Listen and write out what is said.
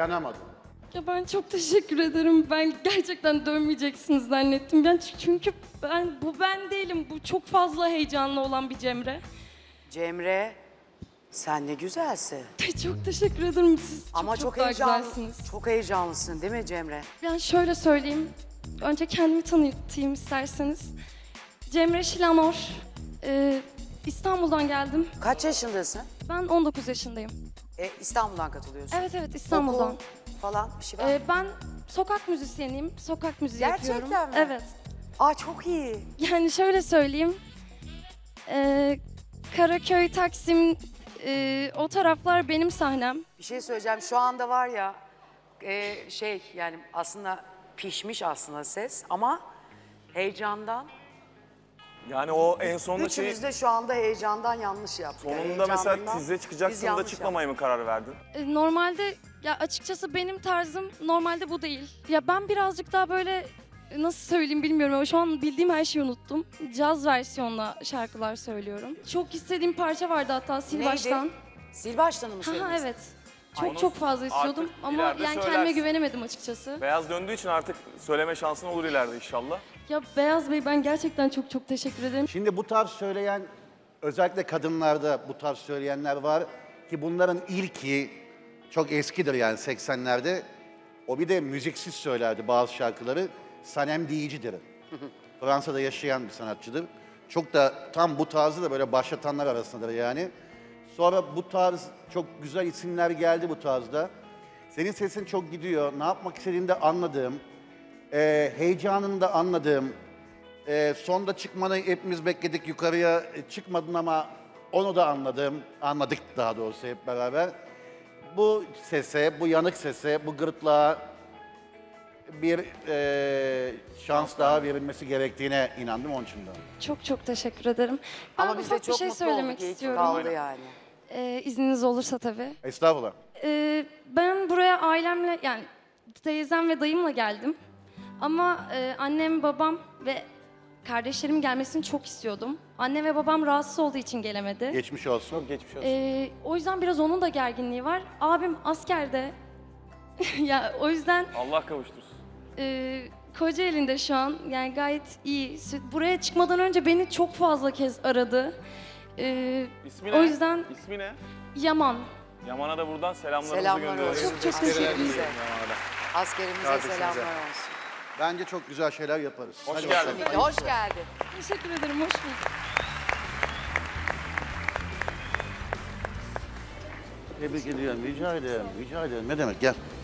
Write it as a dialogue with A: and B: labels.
A: dayanamadım.
B: Ya ben çok teşekkür ederim. Ben gerçekten dönmeyeceksiniz zannettim. Çünkü bu ben değilim. Bu çok fazla heyecanlı olan bir Cemre.
C: Cemre, sen ne güzelsin.
B: Çok teşekkür ederim. Siz
C: Ama
B: çok
C: çok
B: daha
C: heyecanlı,
B: güzelsiniz.
C: çok heyecanlısın değil mi Cemre?
B: Yani şöyle söyleyeyim. Önce kendimi tanıtayım isterseniz. Cemre Şilanor. İstanbul'dan geldim.
C: Kaç yaşındasın?
B: Ben 19 yaşındayım.
C: İstanbul'dan katılıyorsun.
B: Evet İstanbul'dan.
C: Okul falan bir şey var mı?
B: Ben sokak müzisyeniyim. Sokak müziği
C: Gerçekten
B: yapıyorum.
C: mi?
B: Evet.
C: Aa çok iyi.
B: Yani şöyle söyleyeyim. Karaköy, Taksim, o taraflar benim sahnem.
C: Bir şey söyleyeceğim. Şu anda var ya yani aslında pişmiş aslında ses ama heyecandan.
D: Yani o en sonunda
C: Üçümüz de şu anda heyecandan yanlış yaptık. Yani
D: sonunda mesela
C: heyecanından
D: tize
C: biz
D: çıkacaksın da
C: yanlış
D: çıkmamaya mı karar verdin?
B: Normalde ya açıkçası benim tarzım normalde bu değil. Ya ben birazcık daha böyle nasıl söyleyeyim bilmiyorum ama şu an bildiğim her şeyi unuttum. Caz versiyonla şarkılar söylüyorum. Çok istediğim parça vardı hatta Sil
C: Neydi?
B: Baştan.
C: Sil baştanı mı
B: Ha
C: söylüyorsun?
B: evet.
D: Onu
B: Çok fazla istiyordum
D: artık
B: ama
D: ileride
B: yani kendime
D: söylersin.
B: güvenemedim açıkçası.
D: Beyaz döndüğü için artık söyleme şansın olur ileride inşallah.
B: Ya Beyaz Bey ben gerçekten çok teşekkür ederim.
A: Şimdi bu tarz söyleyen, özellikle kadınlarda bu tarz söyleyenler var ki bunların ilki çok eskidir yani 80'lerde. O bir de müziksiz söylerdi bazı şarkıları. Sanem Diyici'dir. Fransa'da yaşayan bir sanatçıdır. Çok da tam bu tarzı da böyle başlatanlar arasındadır yani. Sonra bu tarz çok güzel isimler geldi bu tarzda. Senin sesin çok gidiyor. Ne yapmak istediğini de anladığım, heyecanını da anladığım, sonda çıkmanı hepimiz bekledik yukarıya çıkmadın ama onu da anladık daha doğrusu hep beraber. Bu sese, bu yanık sese, bu gırtlağa bir şans daha verilmesi gerektiğine inandım onun için de.
B: Çok teşekkür ederim. Ben
C: Ama biz de
B: ufak bir
C: çok
B: şey
C: mutlu
B: söylemek
C: olduk. İyi ki
B: istiyorum.
C: kaldı yani.
B: İzniniz olursa tabii.
A: Estağfurullah.
B: Ben buraya ailemle yani teyzem ve dayımla geldim. Ama annem, babam ve kardeşlerimin gelmesini çok istiyordum. Anne ve babam rahatsız olduğu için gelemedi.
A: Geçmiş olsun.
D: Çok geçmiş olsun.
B: O yüzden biraz onun da gerginliği var. Abim askerde. Ya o yüzden
D: Allah kavuştursun.
B: Kocaeli'nde şu an yani gayet iyi. Buraya çıkmadan önce beni çok fazla kez aradı.
D: İsmi ne?
B: O yüzden
D: İsmi ne?
B: Yaman.
D: Yaman'a da buradan selamlarımızı
C: Selamlar
D: gönderiyoruz.
C: olsun.
B: Çok teşekkür ederim.
C: Askerimize,
D: Yaman'a da.
C: askerimize
D: Kardeşimize.
C: selamlar olsun.
A: Bence çok güzel şeyler yaparız.
D: Hoş
A: Hadi
D: geldin.
A: bakalım.
C: Kesinlikle. Hoş geldin.
B: Teşekkür ederim, hoş bulduk.
A: Tebrik ediyorum. Rica ederim. Rica ederim. Ne demek? Gel.